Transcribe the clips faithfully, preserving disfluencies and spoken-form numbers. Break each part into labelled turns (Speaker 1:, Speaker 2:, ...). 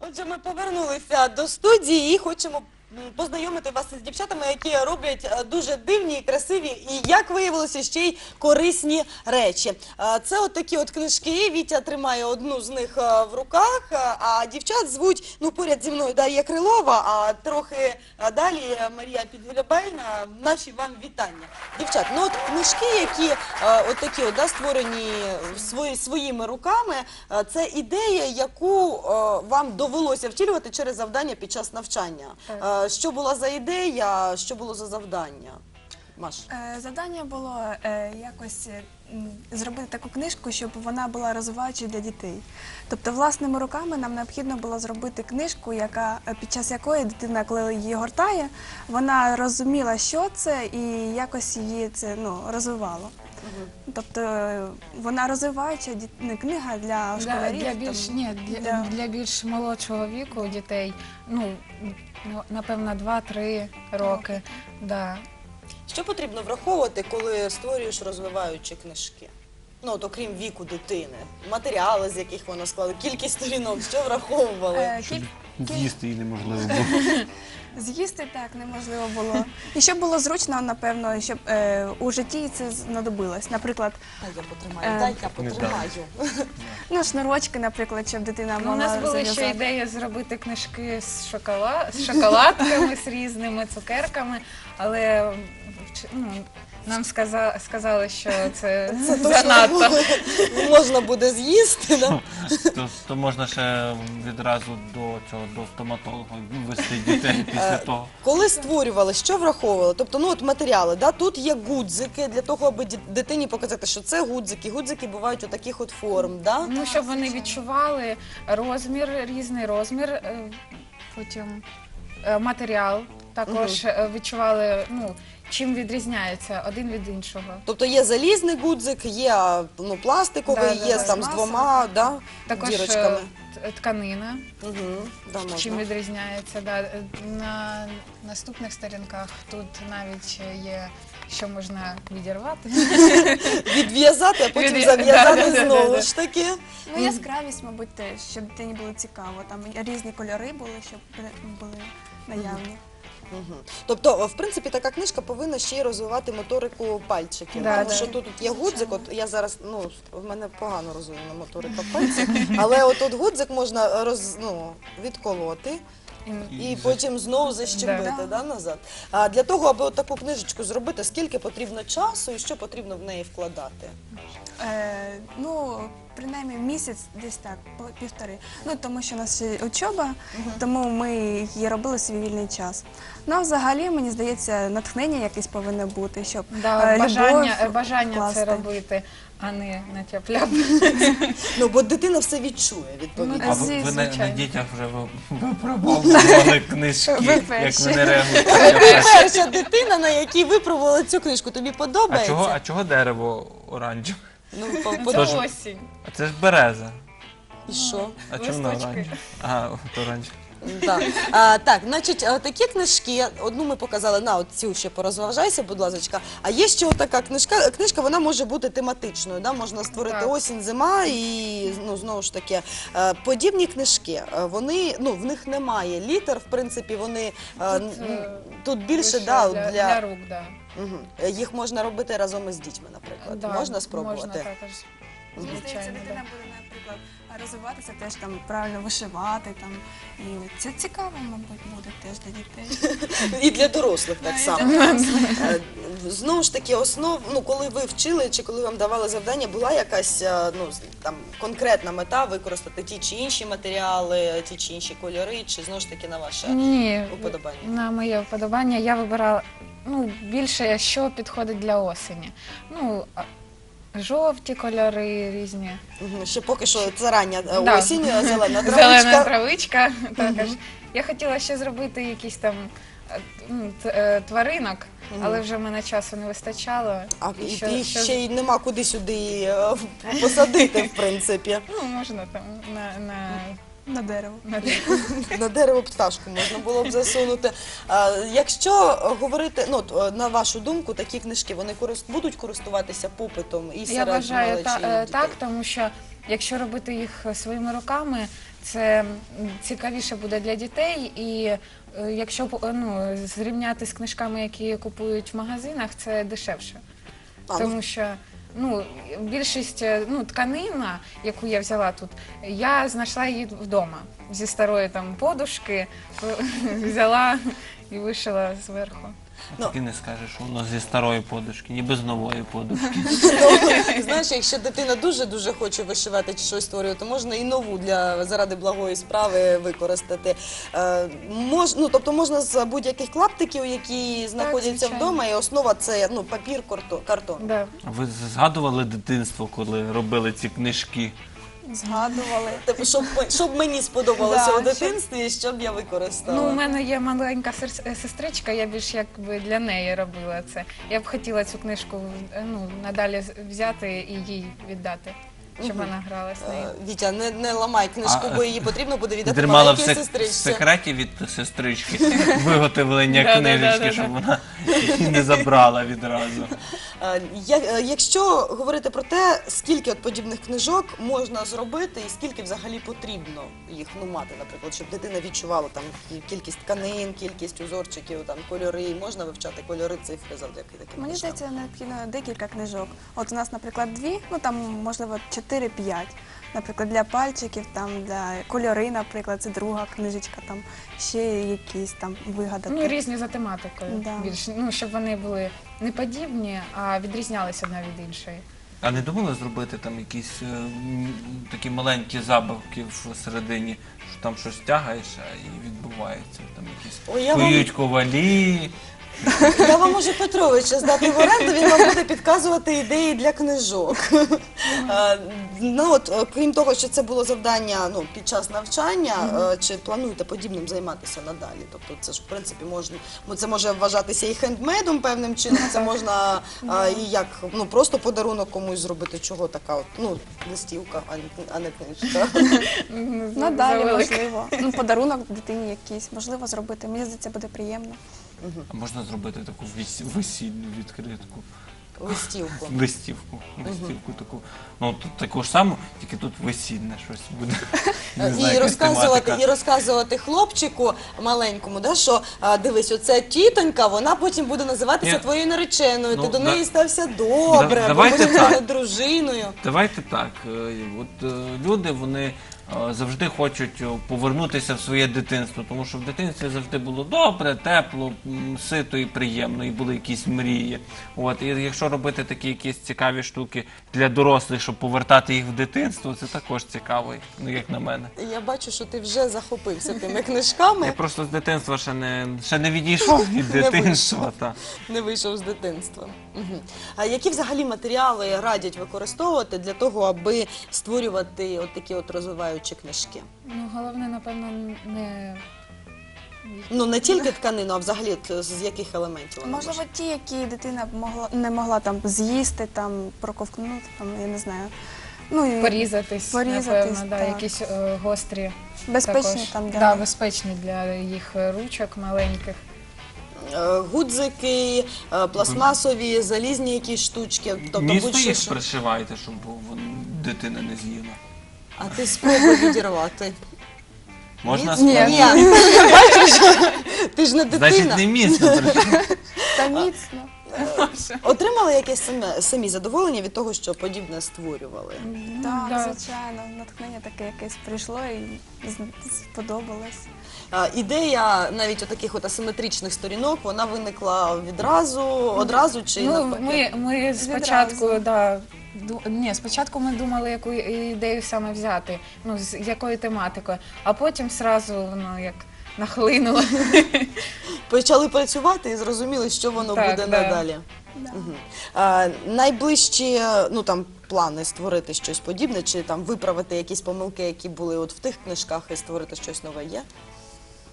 Speaker 1: Отже, ми повернулися до студії і хочемо познайомити вас із дівчатами, які роблять дуже дивні, і красиві і, як виявилося, ще й корисні речі. Це от такі от книжки. Вітя тримає одну з них в руках, а дівчат звуть, ну, поряд зі мною Дар'я Крилова, а трохи далі Марія Підгулябельна. Наші вам вітання. Дівчат, ну от книжки, які от такі от, да, створені свої, своїми руками, це ідея, яку вам довелося втілювати через завдання під час навчання. Що була за ідея, що було за завдання? Маш?
Speaker 2: Завдання було е, якось зробити таку книжку, щоб вона була розвиваючою для дітей. Тобто власними руками нам необхідно було зробити книжку, яка, під час якої дитина, коли її гортає, вона розуміла, що це, і якось її це, ну, розвивало. Угу. Тобто вона розвиваюча книга для школярів.
Speaker 3: Для, для, більш,
Speaker 2: там,
Speaker 3: ні, для,
Speaker 2: для...
Speaker 3: для більш молодшого віку дітей, ну, напевно, два-три роки. Да.
Speaker 1: Що потрібно враховувати, коли створюєш розвиваючі книжки? Ну, от, окрім віку дитини, матеріали, з яких вона складає, кількість сторінок, що враховували?
Speaker 2: Е, кіль...
Speaker 4: З'їсти її неможливо було.
Speaker 2: З'їсти так неможливо було. І щоб було зручно, напевно, щоб е, у житті це знадобилось. Наприклад,
Speaker 1: дай я потримаю, е... дай я потримаю.
Speaker 2: Ну, шнурочки, наприклад, щоб дитина
Speaker 3: ну,
Speaker 2: могла
Speaker 3: зав'язати. У нас була
Speaker 2: зав'язати.
Speaker 3: ще ідея зробити книжки з, шоколад... з шоколадками, з різними цукерками, але ну, нам сказа... сказали, що це, це занадто.
Speaker 1: Можна буде з'їсти, да?
Speaker 4: то, то можна ще відразу до цього, до стоматолога вести дітей після того.
Speaker 1: Коли створювали, що враховували? Тобто, ну от матеріали, да? Тут є гудзики для того, аби дитині показати, що це гудзики. Гудзики бувають у таких от форм, да?
Speaker 3: Ну, щоб вони відчували розмір, різний розмір, потім матеріал також угу. відчували, ну, чим відрізняється один від іншого.
Speaker 1: Тобто є залізний гудзик, є, ну, пластиковий,
Speaker 3: да,
Speaker 1: є
Speaker 3: да,
Speaker 1: там з двома, да,
Speaker 3: також
Speaker 1: дірочками.
Speaker 3: Тканина,
Speaker 1: угу. да,
Speaker 3: чим відрізняється. Да. На наступних сторінках тут навіть є, що можна відірвати.
Speaker 1: Відв'язати, а потім зав'язати знову ж таки.
Speaker 2: Ну, яскравість, мабуть, теж, щоб дитині було цікаво. Там різні кольори були, щоб були наявні.
Speaker 1: Угу. Тобто, в принципі, така книжка повинна ще й розвивати моторику пальчиків.
Speaker 3: Да,
Speaker 1: тому
Speaker 3: да.
Speaker 1: що тут є гудзик, от я зараз, ну, в мене погано розвинена моторика пальців, але от от гудзик можна роз, ну, відколоти. І, і потім знову защемити, да. Да, назад. А для того, аби от таку книжечку зробити, скільки потрібно часу і що потрібно в неї вкладати?
Speaker 2: Е, ну, принаймні місяць, десь так, півтори. Ну, тому що у нас ще учоба, uh-huh. тому ми її робили в свій вільний час. Ну, а взагалі, мені здається, натхнення якесь повинно бути, щоб
Speaker 3: да,
Speaker 2: е,
Speaker 3: бажання,
Speaker 2: любов
Speaker 3: бажання
Speaker 2: вкласти.
Speaker 3: це робити, а не на тяп-ляп.
Speaker 1: Ну, бо дитина все відчує, відповідно.
Speaker 4: А ви, ви на, на дітях вже випробовували книжки,
Speaker 2: ви
Speaker 4: як вони реагують?
Speaker 1: Ви перша дитина, на якій випробувала цю книжку, тобі подобається?
Speaker 4: А чого, а чого дерево оранжеве?
Speaker 1: Ну,
Speaker 3: це
Speaker 1: Тож...
Speaker 3: осінь.
Speaker 4: А це ж береза.
Speaker 1: І що?
Speaker 4: А чому вона оранжева? А, от оранжева.
Speaker 1: Да. А, так, значить, такі книжки, одну ми показали, на, от цю ще порозважайся, будь ласка. А є ще така книжка, книжка, вона може бути тематичною, да? Можна створити
Speaker 3: так.
Speaker 1: осінь, зима і, ну, знову ж таки, подібні книжки, вони, ну, в них немає літер, в принципі, вони
Speaker 3: Тут,
Speaker 1: тут більше,
Speaker 3: да,
Speaker 1: для...
Speaker 3: для, для рук, да.
Speaker 1: Угу. Їх можна робити разом із дітьми, наприклад.
Speaker 3: Да,
Speaker 1: можна спробувати?
Speaker 3: Можна також.
Speaker 2: Мені здається, дитина буде, наприклад, розвиватися, теж там правильно вишивати, там, і це цікаво, мабуть, буде теж для дітей.
Speaker 1: І для дорослих так
Speaker 2: Да,
Speaker 1: само.
Speaker 2: і для дорослих.
Speaker 1: Знову ж таки, основ, ну, коли ви вчили, чи коли вам давали завдання, була якась, ну, там, конкретна мета використати ті чи інші матеріали, ті чи інші кольори, чи знову ж таки на ваше
Speaker 3: Ні,
Speaker 1: уподобання?
Speaker 3: На моє вподобання я вибирала, ну, більше, що підходить для осені. Ну, жовті кольори різні.
Speaker 1: Угу. Ще поки що це рання
Speaker 3: Да.
Speaker 1: осінь, зелена травичка.
Speaker 3: Зелена травичка також. Угу. Я хотіла ще зробити якісь там ну, тваринок, угу. але вже в мене часу не вистачало.
Speaker 1: А
Speaker 3: і
Speaker 1: і
Speaker 3: що,
Speaker 1: ти
Speaker 3: що...
Speaker 1: ще й нема куди сюди посадити, в принципі.
Speaker 3: Ну, можна там на... на...
Speaker 2: На дерево.
Speaker 3: На дерево.
Speaker 1: На дерево пташку можна було б засунути. А, якщо говорити, ну, на вашу думку, такі книжки, вони корист, будуть користуватися попитом і серед
Speaker 3: Я вважаю
Speaker 1: малечі,
Speaker 3: та,
Speaker 1: і дітей?
Speaker 3: так, тому що якщо робити їх своїми руками, це м, цікавіше буде для дітей. І е, якщо по- ну, зрівняти з книжками, які купують в магазинах, це дешевше.
Speaker 1: А, ну,
Speaker 3: Тому що ну, більшість е, ну, тканина, яку я взяла тут, я знайшла її вдома зі старої там подушки, взяла і вишила зверху.
Speaker 1: Ну.
Speaker 4: Так і не скажеш, що воно зі старої подушки, ніби з нової подушки.
Speaker 1: Ну, знаєш, якщо дитина дуже-дуже хоче вишивати чи щось створювати, то можна і нову для заради благої справи використати. Е, мож, ну, тобто можна з будь-яких клаптиків, які знаходяться
Speaker 3: звичайно.
Speaker 1: вдома, і основа це ну, папір, карто- картон.
Speaker 3: Да.
Speaker 4: А ви згадували дитинство, коли робили ці книжки?
Speaker 2: Згадували.
Speaker 1: Типу, щоб, ми- щоб мені сподобалося
Speaker 2: Да,
Speaker 1: у дитинстві, і щоб я використала.
Speaker 3: Ну, у мене є маленька сер- сестричка, я більш якби для неї робила це. Я б хотіла цю книжку е, ну, надалі з- взяти і їй віддати, щоб
Speaker 1: Мгм.
Speaker 3: вона грала з нею.
Speaker 1: Е, Вітя, не, не ламай книжку,
Speaker 4: А,
Speaker 1: бо її потрібно буде віддати
Speaker 4: Тримала в
Speaker 1: маленькій
Speaker 4: сек- в
Speaker 1: сестричці.
Speaker 4: секреті від сестрички виготовлення
Speaker 3: Да-да-да-да-да.
Speaker 4: книжечки, щоб вона її не забрала відразу.
Speaker 1: Е, я- е, Якщо говорити про те, скільки от подібних книжок можна зробити і скільки взагалі потрібно їх ну, мати, наприклад, щоб дитина відчувала там кі- кількість тканин, кількість узорчиків, там кольори, можна вивчати кольори, цифри завдяки таким
Speaker 2: Мені
Speaker 1: книжкам?
Speaker 2: здається, необхідно декілька книжок. От у нас, наприклад, дві, ну там можливо чотири-п'ять. Наприклад, для пальчиків, там для кольори, наприклад, це друга книжечка, там ще якісь там вигадати.
Speaker 3: Ну, різні за тематикою.
Speaker 2: Да.
Speaker 3: Більш, ну, щоб вони були не подібні, а відрізнялися одна від іншої.
Speaker 4: А не думали зробити там якісь е, м, такі маленькі забавки всередині, що там щось тягаєш, а і відбувається. Там якісь
Speaker 1: Ой, я вам-
Speaker 4: кують ковалі.
Speaker 1: Я вам можу Петровича здати в оренду, він вам буде підказувати ідеї для книжок. Е, Ну от, е, крім того, що це було завдання ну, під час навчання, е, чи плануєте подібним займатися надалі? Тобто це ж в принципі можна, ну, це може вважатися і хендмейдом певним чином, це можна е, і як ну просто подарунок комусь зробити, чого така от ну листівка, а не- а не книжка.
Speaker 3: Ну,
Speaker 2: Надалі,
Speaker 3: завелика.
Speaker 2: можливо. Ну, подарунок дитині якийсь, можливо, зробити. Мені здається, буде приємно.
Speaker 4: А можна зробити таку віс- весільну відкритку,
Speaker 1: Листівку.
Speaker 4: листівку, листівку таку. Ну тут таку ж саму, тільки тут весільне щось буде. Не знаю,
Speaker 1: І
Speaker 4: якась
Speaker 1: розказувати,
Speaker 4: тематика.
Speaker 1: і розказувати хлопчику маленькому, да, що а, дивись, оце тітонька, вона потім буде називатися
Speaker 4: Ні.
Speaker 1: твоєю нареченою.
Speaker 4: Ну,
Speaker 1: Ти до
Speaker 4: да-
Speaker 1: неї стався добре,
Speaker 4: Да-
Speaker 1: бо
Speaker 4: давайте
Speaker 1: буде
Speaker 4: так.
Speaker 1: дружиною.
Speaker 4: Давайте так. е, От е, люди вони е, завжди хочуть е, повернутися в своє дитинство, тому що в дитинстві завжди було добре, тепло, м, сито і приємно, і були якісь мрії. От і якщо робити такі якісь цікаві штуки для дорослих, щоб повертати їх в дитинство, це також цікаво, ну як на мене.
Speaker 1: Я бачу, що ти вже захопився тими книжками,
Speaker 4: Я просто з дитинства ще не ще не відійшов від
Speaker 1: Не
Speaker 4: дитинства. Та.
Speaker 1: не вийшов з дитинства. Угу. А які взагалі матеріали радять використовувати для того, аби створювати от такі от розвиваючі книжки?
Speaker 3: Ну, головне, напевно, не
Speaker 1: Ну не тільки тканину, а взагалі от з яких елементів вона
Speaker 2: Можливо,
Speaker 1: може?
Speaker 2: ті, які дитина могла не могла там з'їсти, там проковтнути, там я не знаю. Ну і
Speaker 3: порізатись,
Speaker 2: Порізатись,
Speaker 3: напевно, да,
Speaker 2: так.
Speaker 3: якісь е, гострі.
Speaker 2: безпечні
Speaker 3: також.
Speaker 2: там для
Speaker 3: Да, безпечні для їх ручок маленьких.
Speaker 1: Е, Гудзики, е, пластмасові, залізні якісь штучки, тобто
Speaker 4: Місто
Speaker 1: будь-що.
Speaker 4: їх
Speaker 1: що-
Speaker 4: пришивайте, щоб вон- дитина не з'їла.
Speaker 1: А ти спробуй відірвати.
Speaker 4: Можна
Speaker 1: Ні,
Speaker 4: спробувати?
Speaker 1: ні. Бачиш, ти ж не дитина.
Speaker 4: Значить, не міцно пришивати.
Speaker 2: та міцно.
Speaker 1: Отримали якесь самі, самі задоволення від того, що подібне створювали?
Speaker 2: Так,
Speaker 3: да.
Speaker 2: звичайно, натхнення таке якесь прийшло і з- сподобалось.
Speaker 1: А, ідея навіть таких от асиметричних сторінок, вона виникла відразу, одразу чи
Speaker 3: Ну,
Speaker 1: навпаки?
Speaker 3: ми, ми спочатку,
Speaker 2: Відразу.
Speaker 3: да, ду- ні, спочатку ми думали, яку ідею саме взяти, ну, з якою тематикою, а потім сразу воно як нахлинуло.
Speaker 1: Почали працювати і зрозуміли, що воно
Speaker 3: Так,
Speaker 1: буде
Speaker 3: да.
Speaker 1: надалі.
Speaker 2: Да.
Speaker 1: Мгм. А, найближчі ну, там, плани створити щось подібне, чи там виправити якісь помилки, які були от в тих книжках, і створити щось нове є?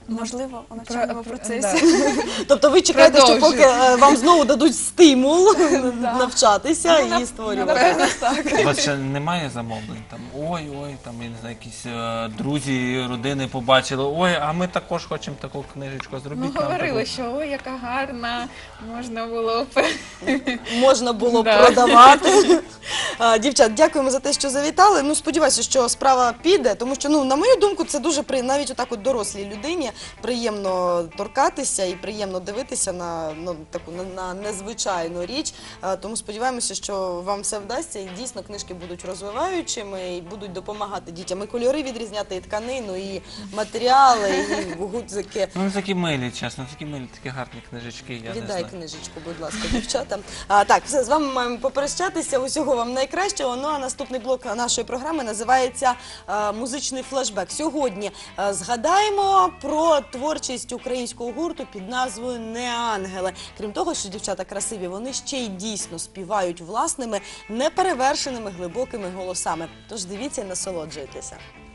Speaker 2: Можливо, у навчальному
Speaker 3: Про-
Speaker 2: процесі.
Speaker 3: да.
Speaker 1: Тобто ви чекаєте, що поки
Speaker 3: Продовжуй.
Speaker 1: е, вам знову дадуть стимул
Speaker 2: Да.
Speaker 1: навчатися
Speaker 2: Ну,
Speaker 1: і
Speaker 2: нап-
Speaker 1: створювати.
Speaker 2: Напевно, так.
Speaker 4: У вас ще немає замовлень? Там ой, ой, там я не знаю, якісь е, друзі, родини побачили. Ой, а ми також хочемо таку книжечку зробити.
Speaker 3: Ну, говорили, що ой, яка гарна, можна було б.
Speaker 1: Можна було
Speaker 3: Да.
Speaker 1: продавати. А, Дівчат, дякуємо за те, що завітали. Ну, сподіваюся, що справа піде, тому що, ну, на мою думку, це дуже при навіть отак от дорослій людині приємно торкатися і приємно дивитися на ну таку на, на незвичайну річ. А, тому сподіваємося, що вам все вдасться, і дійсно книжки будуть розвиваючими і будуть допомагати дітям і кольори відрізняти, і тканину, і матеріали, і гудзики.
Speaker 4: Ну, такі милі, чесно, такі милі, такі гарні книжечки. Я не
Speaker 1: Віддай
Speaker 4: знаю.
Speaker 1: книжечку, будь ласка, дівчатам. А, так, все, з вами маємо попрощатися. Усього вам найкращого. Ну а наступний блок нашої програми називається е, «Музичний флешбек». Сьогодні е, згадаємо про творчість українського гурту під назвою «Неангели». Крім того, що дівчата красиві, вони ще й дійсно співають власними, неперевершеними глибокими голосами. Тож дивіться і насолоджуйтеся.